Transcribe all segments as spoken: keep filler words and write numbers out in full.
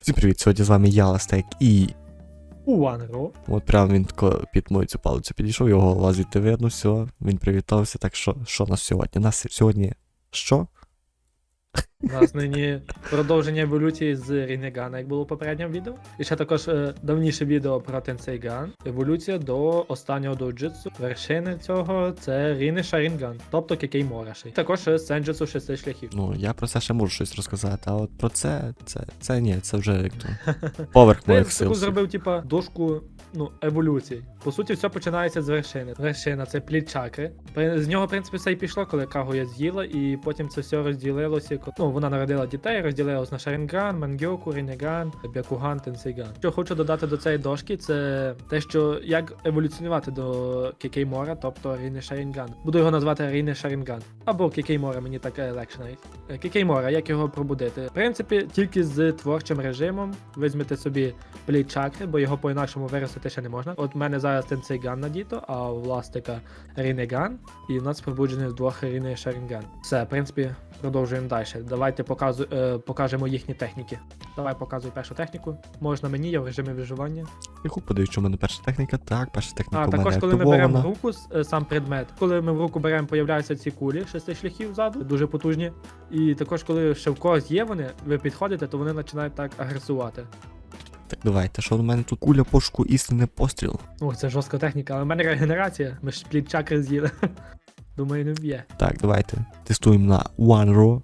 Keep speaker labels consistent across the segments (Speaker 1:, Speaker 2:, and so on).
Speaker 1: Всім привіт, сьогодні з вами я, Ластек, і...
Speaker 2: Уанро.
Speaker 1: От прямо він тако під мою цю палицю підійшов, його голова звідти видно, все, він привітався, так що, що нас сьогодні? Нас сьогодні... Що?
Speaker 2: У нас нині продовження еволюції з Рінегана, як було в попередньому відео. І ще також е, давніше відео про Тенсейган. Еволюція до останнього доуджитсу. Вершини цього це Ріне Шарінган, тобто Кекей Мораші. Також е, Сенджутсу шести шляхів.
Speaker 1: Ну, я про це ще можу щось розказати, а от про це, це, це ні, це вже як то... Поверх
Speaker 2: Ти
Speaker 1: моїх сил.
Speaker 2: таку зробив, типа, дошку, ну, еволюції. По суті, все починається з вершини. Вершина це плід чакри. При- З нього, в принципі, все і пішло, коли Кагуя з'їла, і потім це все розділилося. Ну, вона народила дітей, розділилось на Шарінган, Мангьоку, Рінеган, Бякуган, Тенсейган. Що хочу додати до цієї дошки, це те, що як еволюціонувати до Кікеймора, тобто Ріне Шарінган. Буду його назвати Ріне Шарінган. Або Кікеймора, мені так легше навіть. Е, Кікеймора, як його пробудити? В принципі, тільки з творчим режимом візьмете собі плід чакри, бо його по-інакшому виростити ще не можна. От в мене зараз Тенсейган надіто, а у власника Рінеган, і в нас пробуджений з двох Ріне Шарінган. Все, в принципі, продовжуємо далі. Давайте показу, е, покажемо їхні техніки. Давай показуй першу техніку. Можна мені, я в режимі виживання.
Speaker 1: Тихо, подивись, що в мене перша техніка. Так, перша техніка
Speaker 2: А
Speaker 1: у мене
Speaker 2: також, коли ми беремо в
Speaker 1: активована.
Speaker 2: руку с- е, сам предмет, коли ми в руку беремо, появляються ці кулі шести шляхів ззаду, дуже потужні. І також, коли ще в когось є вони, ви підходите, то вони починають так агресувати.
Speaker 1: Так, давайте, що в мене тут куля, пошуку, істинний постріл.
Speaker 2: О, це жорстка техніка, але в мене регенерація. Ми ж плід чакри з'їли. Думаю, не вб'є.
Speaker 1: Так, давайте, тестуємо на Уанро.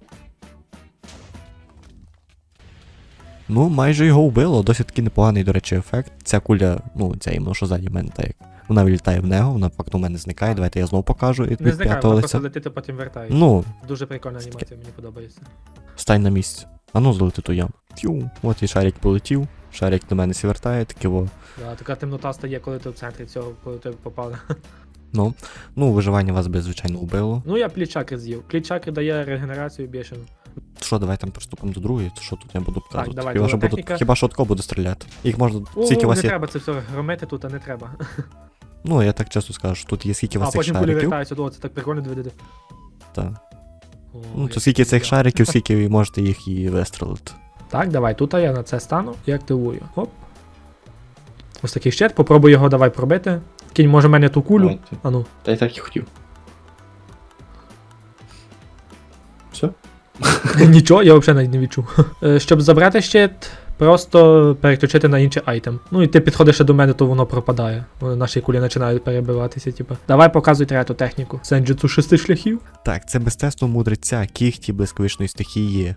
Speaker 1: Ну, майже його вбило, досить таки непоганий, до речі, ефект. Ця куля, ну, ця іменно, що ззаді в мене, так як вона вилітає в нього, вона факту в мене зникає. Давайте я знову покажу від
Speaker 2: Не зникає,
Speaker 1: п'ятого
Speaker 2: вона
Speaker 1: лиця.
Speaker 2: просто летить, а потім вертається.
Speaker 1: Ну,
Speaker 2: Дуже прикольна анімація, мені подобається.
Speaker 1: стань на місці. А ну, злети ту яму. Фью, от і шарик полетів, шарик до мене сі вертає, таке во.
Speaker 2: Да, така темнота стає, коли ти в центрі цього, коли ти попали.
Speaker 1: Ну, ну, виживання вас би, звичайно, вбило.
Speaker 2: Ну, я плід чакри з'їв. Плід чакри дає регенерацію бішену.
Speaker 1: Що, давай там приступимо до другої, то що тут я буду показувати?
Speaker 2: давай,
Speaker 1: хіба,
Speaker 2: друга
Speaker 1: що буду,
Speaker 2: техніка.
Speaker 1: хіба що отко буду стріляти. Їх можна,
Speaker 2: О,
Speaker 1: скільки у
Speaker 2: не
Speaker 1: вас є.
Speaker 2: треба це все громити тут, а не треба.
Speaker 1: Ну, я так часто скажу, що тут є скільки у
Speaker 2: А
Speaker 1: вас цих
Speaker 2: потім кулі
Speaker 1: шариків.
Speaker 2: вертаються, о, це так прикольно доведете.
Speaker 1: Так.
Speaker 2: О,
Speaker 1: Ну,
Speaker 2: я
Speaker 1: то скільки цих
Speaker 2: я.
Speaker 1: шариків, скільки ви можете їх і вистрелити.
Speaker 2: Так, давай, тут я на це стану і активую. Оп. Ось такий щит, попробуй його давай пробити. Кінь, може, в мене ту кулю.
Speaker 3: Давайте.
Speaker 2: А ну.
Speaker 3: Та й так і хотів. Все?
Speaker 2: Нічого, я взагалі навіть не відчув. Е, Щоб забрати щит, просто переключити на інший айтем. Ну і ти підходиш ще до мене, то воно пропадає. Вони наші кулі починають перебиватися, типу. Давай показуй третю техніку. Сенджутсу шести шляхів.
Speaker 1: Так, це мистецтво мудреця, кіхті блискавичної стихії.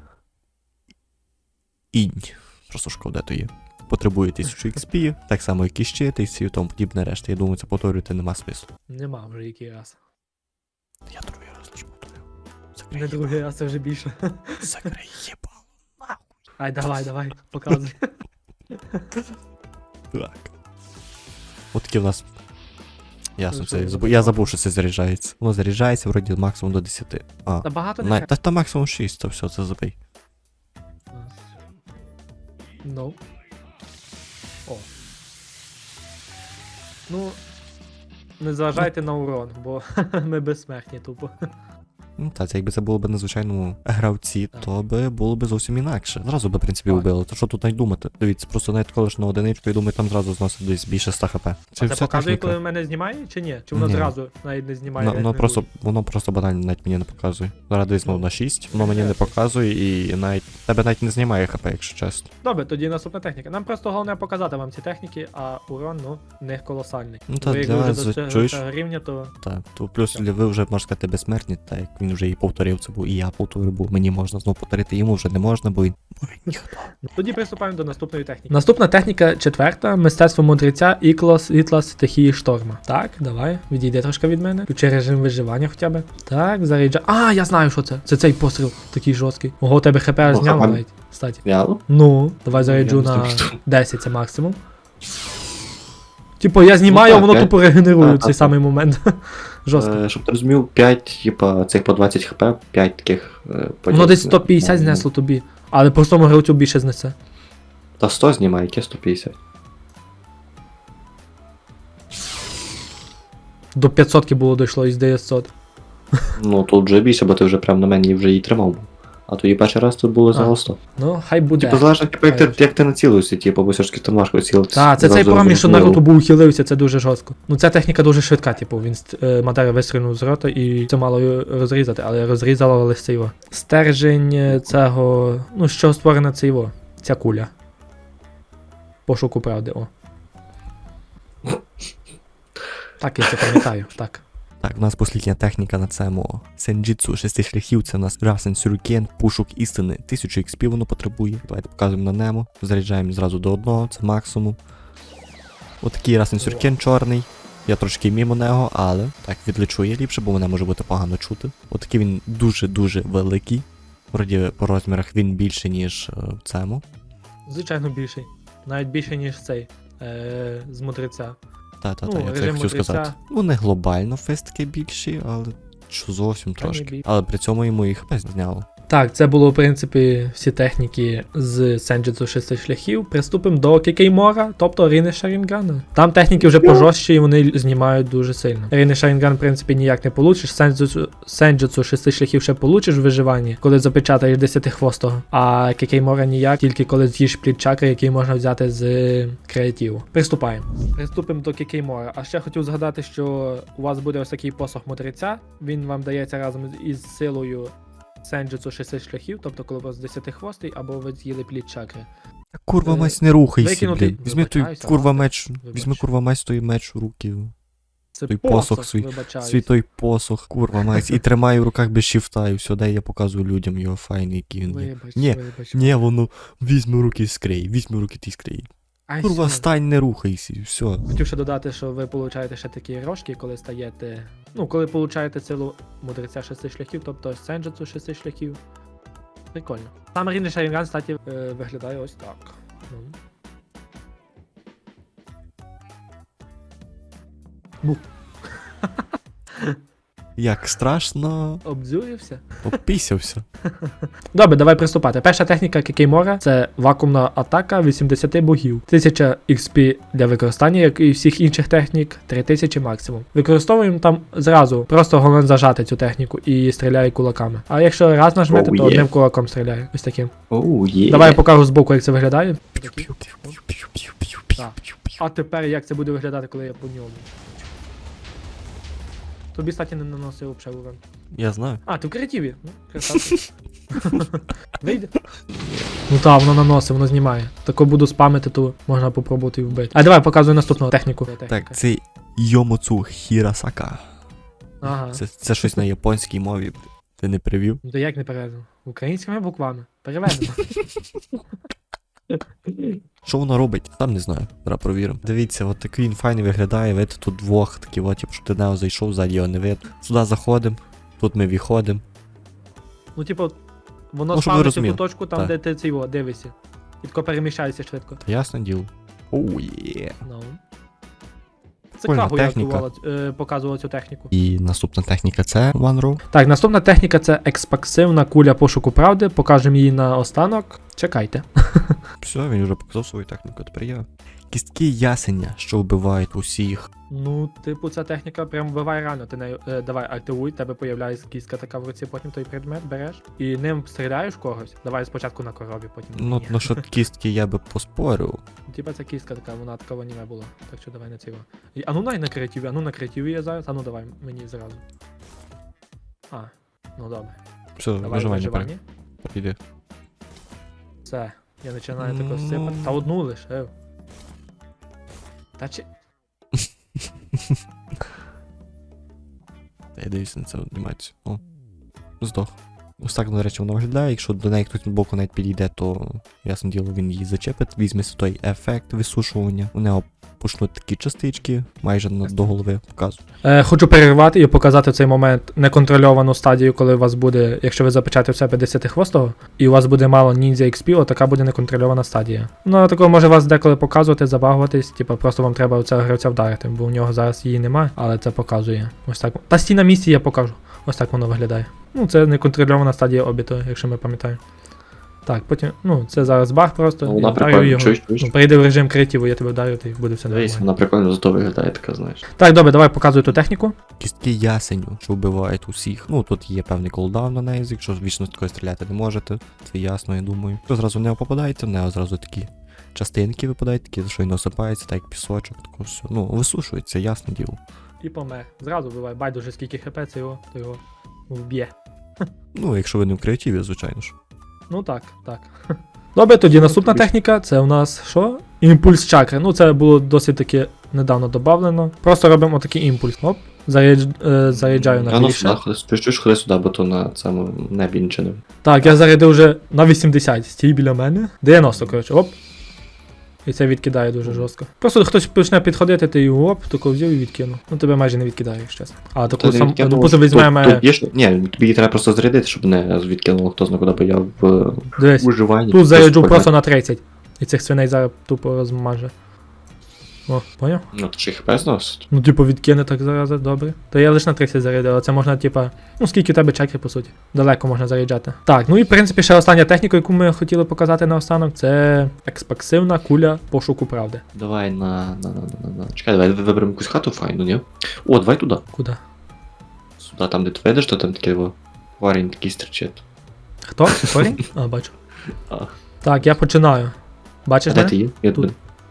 Speaker 1: Інь. Просто шкода то є. Потребує тисячу ікс пі, так само як і щит, і всі тому подібне решта. Я думаю, це повторювати нема смислу.
Speaker 2: Нема вже який раз.
Speaker 1: Я другий раз лише повторю.
Speaker 2: Не
Speaker 1: Закрий,
Speaker 2: другий раз, це вже більше.
Speaker 1: закрий єбало.
Speaker 2: Ай, давай, давай, показуй.
Speaker 1: Так. От такі в нас. Ясно,
Speaker 2: Ну,
Speaker 1: це
Speaker 2: що,
Speaker 1: я забув, я забув, що це заряджається. Воно заряджається вроді максимум до десяти. А,
Speaker 2: Та багато не
Speaker 1: на,
Speaker 2: треба.
Speaker 1: та, та максимум шість, то все, це забий.
Speaker 2: Ну. О. Ну. Не зважайте на урон, бо ми безсмертні тупо.
Speaker 1: Ну так, це якби це було б на звичайному гравці,
Speaker 2: Так.
Speaker 1: то би було б зовсім інакше. Зразу би, в принципі,
Speaker 2: Так.
Speaker 1: вбили. То що тут навіть думати? Дивіться, просто навіть коли ж на одиничку, я думаю, там зразу зносить десь більше ста хп.
Speaker 2: А це
Speaker 1: вся
Speaker 2: показує,
Speaker 1: техніка.
Speaker 2: коли в мене знімає, чи ні? Чи воно
Speaker 1: Ні.
Speaker 2: зразу навіть не знімає?
Speaker 1: Ну, воно
Speaker 2: як
Speaker 1: просто,
Speaker 2: не
Speaker 1: воно просто банально навіть мені не показує. Зараз десь знову
Speaker 2: Ну,
Speaker 1: на шість, воно мені не
Speaker 2: ясно.
Speaker 1: показує і навіть тебе навіть не знімає хп, якщо чесно.
Speaker 2: Добре, тоді наступна техніка. Нам просто головне показати вам ці техніки, а урон, ну, не колосальний.
Speaker 1: Ну, та
Speaker 2: Ви як
Speaker 1: для
Speaker 2: ви вже
Speaker 1: вас,
Speaker 2: достигли
Speaker 1: чуєш?
Speaker 2: цього рівня, то
Speaker 1: Так, то плюс для ви вже можна сказати безсмертні, так як він вже і повторив це був, і я повторив, бо мені можна знову повторити, йому вже не можна, бо він. Бо він ніхто.
Speaker 2: тоді приступаємо до наступної техніки. Наступна техніка четверта, мистецтво мудреця Ікло світла стихії шторма. Так, давай, відійди трошки від мене. Включи режим виживання хоча б. Так, заряджа. А, я знаю, що це. Це цей постріл такий жорсткий. Ого, у тебе хп аж
Speaker 3: Ну,
Speaker 2: зняло
Speaker 3: а-
Speaker 2: навіть. Кстати.
Speaker 3: Реально?
Speaker 2: Ну, давай заряджу
Speaker 3: Я не
Speaker 2: на
Speaker 3: знаю.
Speaker 2: десять, це максимум. Типу, я знімаю,
Speaker 3: Ну,
Speaker 2: а
Speaker 3: так,
Speaker 2: воно
Speaker 3: п'ять.
Speaker 2: тупо регенерує
Speaker 3: Так,
Speaker 2: цей
Speaker 3: так,
Speaker 2: самий момент. Жорстко.
Speaker 3: Е, щоб ти розумів, п'ять, типа, цих по двадцять хп, п'ять таких. Е,
Speaker 2: Воно
Speaker 3: поділити
Speaker 2: десь
Speaker 3: на-
Speaker 2: сто п'ятдесят
Speaker 3: ну,
Speaker 2: знесло тобі. Але простому гравцю більше знесе.
Speaker 3: Та сто знімає, яке сто п'ятдесят.
Speaker 2: До п'ятсот було дійшло із дев'ятсот.
Speaker 3: Ну тут вже більше, бо ти вже прям на мені вже її тримав. А тоді перший раз тут було
Speaker 2: А.
Speaker 3: за сто.
Speaker 2: Ну, хай буде.
Speaker 3: Типу, залежно, типу, як
Speaker 2: Хай
Speaker 3: ти, як ти націлився, типу, бо все ж таки там важко цілитися.
Speaker 2: Так, це цей
Speaker 3: Зразу
Speaker 2: проміж, що
Speaker 3: розуміло.
Speaker 2: Наруто був ухилився, це дуже жорстко. Ну ця техніка дуже швидка, типу, він е, Мадара вистрілив з рота і це мало його розрізати, але розрізало лише це його. Стержень е, цього, ну з чого створена це його, ця куля. Пошуку правди, о. Так, я це пам'ятаю, так.
Speaker 1: Так, у нас послідня техніка на цьому сенджітсу шести шляхів, це у нас Расен Сюрікен, пушок істини, тисячу ікс пі воно потребує. Давайте показуємо на немо, заряджаємо зразу до одного, це максимум. Отакий Расен Сюрікен чорний. Я трошки мімо нього, але так відлечу я ліпше, бо мене може бути погано чути. Отакий він дуже-дуже великий. Вроді по розмірах він більше, ніж е, в цьому.
Speaker 2: Звичайно, більший. Навіть більше, ніж цей. Е, з мудреця.
Speaker 1: Та-та-та,
Speaker 2: Ну,
Speaker 1: я це
Speaker 2: режим
Speaker 1: хотів
Speaker 2: мудреця.
Speaker 1: сказати. Ну, не глобально фестики більші, але що зовсім
Speaker 2: Та ні,
Speaker 1: трошки.
Speaker 2: бій.
Speaker 1: Але при цьому йому і хп зняло.
Speaker 2: Так, це було, в принципі, всі техніки з Сенджитсу шести шляхів. Приступимо до Кікеймора, тобто Ріни Шарінгана. Там техніки вже пожорстчі і вони знімають дуже сильно. Ріни Шарінган, в принципі, ніяк не получиш. Сенджитсу, Сенджитсу шести шляхів ще получиш в виживанні, коли запечатаєш десятихвостого. А Кікеймора ніяк, тільки коли з'їш плід чакри, який можна взяти з креативу. Приступаємо. Приступимо до Кікеймора. А ще хотів згадати, що у вас буде ось такий посох мудреця. Він вам дається разом із силою Сенджитсу шести шляхів, тобто коли у вас десятихвостий, або ви з'їли плід чакри.
Speaker 1: Курва
Speaker 2: Е,
Speaker 1: меч, не рухайся,
Speaker 2: викинути-
Speaker 1: блін. Візьми той
Speaker 2: Вибачаюся,
Speaker 1: курва
Speaker 2: мастер.
Speaker 1: меч,
Speaker 2: Вибач.
Speaker 1: візьми курва меч, той меч у руки.
Speaker 2: Це
Speaker 1: Той посох свій-
Speaker 2: вибачаюсь.
Speaker 1: Свій той посох, курва меч. І тримаю в руках без шифта, і все, дай я показую людям його файний, який він є.
Speaker 2: Вибач,
Speaker 1: Ні,
Speaker 2: вибач.
Speaker 1: Ні, воно, візьми в руки скрей, візьми в руки ти скрей.
Speaker 2: Ай,
Speaker 1: Курва,
Speaker 2: все.
Speaker 1: стань, не рухайся, і все.
Speaker 2: Хотів ще додати, що ви получаєте ще такі рожки, коли стаєте. Ну, коли получаєте силу мудреця шести шляхів, тобто Сенджитсу шести шляхів. Прикольно. Сам Ріни Шарінган, кстати, е, виглядає ось так. Ну. Бу.
Speaker 1: Як страшно,
Speaker 2: Обдзюрився.
Speaker 1: опісявся.
Speaker 2: Добре, давай приступати. Перша техніка Кікеймора це вакуумна атака вісімдесят богів. тисяча ікс пі для використання, як і всіх інших технік, три тисячі максимум. Використовуємо там зразу, просто головне зажати цю техніку і стріляє кулаками. А якщо раз нажмете,
Speaker 3: Oh,
Speaker 2: то
Speaker 3: yeah.
Speaker 2: одним кулаком стріляє. Ось таким.
Speaker 3: Оу, є.
Speaker 2: Давай я покажу збоку, як це виглядає. Так. А тепер як це буде виглядати, коли я по ньому. Тобі, кстати, не наносив взагалі урон.
Speaker 1: Я знаю.
Speaker 2: А, ти в креативі. Ну, красавчик. Вийде. Ну так, воно наносить, воно знімає. Тако буду спамити, то можна попробувати і вбити. А давай показую наступну техніку.
Speaker 1: Так, це Йомоцу Хірасака.
Speaker 2: Ага.
Speaker 1: Це, це щось на японській мові. Ти не привів?
Speaker 2: Ну то як не переведено? Українськими буквами. Переведено.
Speaker 1: Що воно робить? Там не знаю. Зараз провіримо. Дивіться, от такий він файний виглядає. Видите, тут двох такі, от, типу, що ти нього зайшов, ззаді його не видно. Сюди заходимо, тут ми виходимо.
Speaker 2: Ну, типу, воно
Speaker 1: Ну, щоб ви
Speaker 2: спавниться в
Speaker 1: розуміли.
Speaker 2: ту точку, там,
Speaker 1: Так.
Speaker 2: де ти цього дивишся. І тако переміщається швидко.
Speaker 1: Ясне діло. Оу, є.
Speaker 2: Ну. Це
Speaker 1: Прикольна
Speaker 2: Кагу я
Speaker 1: техніка.
Speaker 2: актувала, е, показувала цю техніку.
Speaker 1: І наступна техніка це One Row.
Speaker 2: Так, наступна техніка це експансивна куля пошуку правди. Покажемо її на останок. Чекайте.
Speaker 1: Все, він вже показав свою техніку, тепер я. Кістки ясеня, що вбивають усіх.
Speaker 2: Ну, типу, ця техніка прям вбиває реально. Ти нею, е, давай, активуй, тебе появляється кістка така в руці, потім той предмет береш і ним стріляєш в когось. Давай спочатку на коробі, потім.
Speaker 1: Ну,
Speaker 2: ні.
Speaker 1: ну що кістки я би поспорив.
Speaker 2: Типа ця кістка така, вона така в аніме була. Так що давай на цього. І, а ну най на креативі, а ну на креативі я зараз, а ну давай мені зразу. А, ну добре.
Speaker 1: Все,
Speaker 2: Давай
Speaker 1: виживання
Speaker 2: виживання.
Speaker 1: піде.
Speaker 2: Все, я починаю тако сипати. Та одну лиш, ев. Та чи.
Speaker 1: Та я дивлюся на це анімацію. О, здох. Ось так, до речі, воно виглядає. Якщо до неї хтось боку навіть підійде, то ясне діло, він її зачепить. Візьме той ефект висушування. У нього почнуть такі частички, майже на, до голови показують.
Speaker 2: Е, хочу перервати і показати в цей момент неконтрольовану стадію, коли у вас буде, якщо ви запечатаєте в себе десятихвостого, і у вас буде мало ніндзя ікс пі, отака буде неконтрольована стадія. Ну, такого може вас деколи показувати, забагуватись, типу просто вам треба цього гравця вдарити, бо у нього зараз її немає, але це показує. Ось так. Та стій на місці я покажу. Ось так воно виглядає. Ну, це неконтрольована стадія обіту, якщо ми пам'ятаємо. Так, потім, ну, це зараз баг просто.
Speaker 3: Ну,
Speaker 2: я
Speaker 3: вона
Speaker 2: вдарю
Speaker 3: прикольна,
Speaker 2: його.
Speaker 3: чуєш, чуєш?
Speaker 2: Ну, перейди в режим креативу, я тебе вдарю, і буде все
Speaker 3: Дивись,
Speaker 2: нормально.
Speaker 3: вона прикольно зато виглядає, така, знаєш.
Speaker 2: Так, добре, давай показуй ту техніку.
Speaker 1: Кістки ясеню, що вбивають усіх. Ну тут є певний колдаун на неї, якщо вічно з такою стріляти не можете. Це ясно, я думаю. Якщо зразу не попадається, в неї зразу такі частинки випадають, такі, що й насипається, так як пісочок, тако все. Ну, висушується, ясне діло.
Speaker 2: І помер. Зразу вбивай, байдуже скільки хп, це його, то його вб'є.
Speaker 1: Ну, якщо ви не в креативі, звичайно ж.
Speaker 2: Ну так, так. Добре, тоді наступна техніка, це у нас що? Імпульс чакри. Ну, це було досить таки недавно додавлено. Просто робимо такий імпульс. Оп, зарядж, е, заряджаю на
Speaker 3: А ну
Speaker 2: більше.
Speaker 3: сюди, ходи, чуєш, чуєш, ходи сюди, бо то на цьому небі нічого не.
Speaker 2: Так, я зарядив вже на вісімдесят. Стій біля мене. дев'яносто, коротше, оп. І це відкидає дуже жорстко. Просто хтось почне підходити, ти його оп, тако взяв і відкинув. Ну тебе майже не відкидає, якщо чесно. А таку сам, допустим, візьмемо.
Speaker 3: Тут, тут є, ж- ні, тобі її треба просто зарядити, щоб не відкинуло хто зна куди, бо я в
Speaker 2: Дивись,
Speaker 3: уживанні.
Speaker 2: тут заряджу
Speaker 3: Просто
Speaker 2: просто на тридцять. І цих свиней зараз тупо розмаже. О, поняв?
Speaker 3: Ну, то ще хп зносить.
Speaker 2: Ну, типу, відкине так зараз, добре. То я лише на тридцять зарядив, але це можна, типа, ну скільки у тебе чеків, по суті. Далеко можна заряджати. Так, ну і в принципі ще остання техніка, яку ми хотіли показати наостанок, це експансивна куля пошуку правди.
Speaker 3: Давай на, на, на, на, на. Чекай, давай виберемо якусь хату файну, ні? О, давай туди.
Speaker 2: Куди?
Speaker 3: Сюди, там, де ти видиш, то там такий во, парень такий стрічить.
Speaker 2: Хто? Корінь? А, бачу.
Speaker 3: А.
Speaker 2: Так, я починаю.
Speaker 3: А
Speaker 2: Бачиш
Speaker 3: де
Speaker 2: мене?
Speaker 3: ти є? Я
Speaker 2: Тут.
Speaker 3: тут.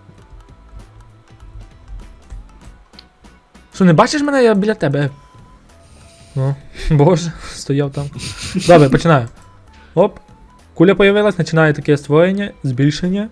Speaker 2: Що, не бачиш мене? Я біля тебе. Ну, боже, стояв там. Добре, починаю. Оп. Куля появилась, починає таке створення, збільшення.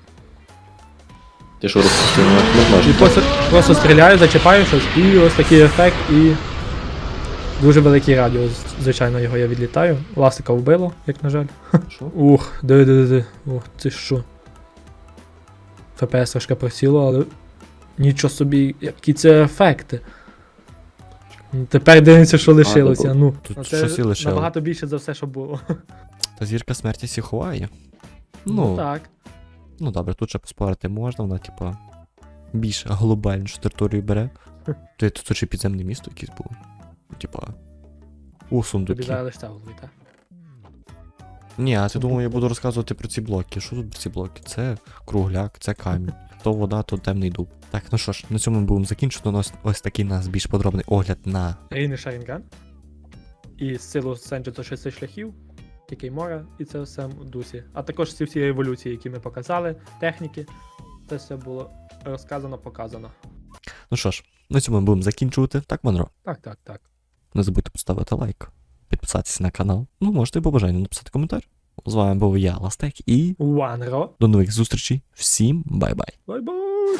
Speaker 3: Ти що робиш? Ти не
Speaker 2: І
Speaker 3: можеш.
Speaker 2: просто, просто стріляю, зачіпаю щось, і ось такий ефект, і дуже великий радіус, звичайно, його я відлітаю. Ластика вбило, як на жаль.
Speaker 3: Що?
Speaker 2: Ух, диви-диви-диви. Ух, це що? еф пі ес трошки просіло, але нічого собі, які це ефекти. Ну, тепер дивимося, що лишилося. Ну,
Speaker 1: Тут
Speaker 2: ну, це
Speaker 1: щось і лишило.
Speaker 2: набагато більше за все, що було.
Speaker 1: Та зірка смерті всі ховає.
Speaker 2: Ну,
Speaker 1: Ну,
Speaker 2: так.
Speaker 1: ну добре, тут ще поспорити можна, вона, типа, більш глобальнішу територію бере. Ти тут ще підземне місто якесь було. Типа. У
Speaker 2: Тобі
Speaker 1: сундуки.
Speaker 2: зараз лише голови, так?
Speaker 1: Ні, а ти думав, я буду розказувати про ці блоки. Що тут про ці блоки? Це кругляк, це камінь. То вода, то темний дуб. Так, ну що ж, на цьому ми будемо закінчити. У нас ось такий у нас більш подробний огляд на.
Speaker 2: Рейний Шарінган. І силу Сенджуто шести шляхів, який мора, і це все в дусі. А також ці всі еволюції, які ми показали, техніки. Це все було розказано, показано.
Speaker 1: Ну що ж, на цьому ми будемо закінчувати. Так, Монро?
Speaker 2: Так, так, так.
Speaker 1: Не забудьте поставити лайк, підписатися на канал. Ну, можете і по бажанню написати коментар. З вами був я, Ластек, і
Speaker 2: Уанро.
Speaker 1: до нових зустрічей. Всім бай-бай.
Speaker 2: Бай-бай!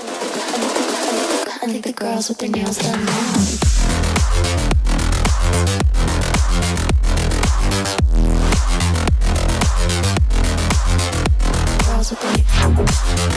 Speaker 4: I think the girls with their nails done now. Girls with their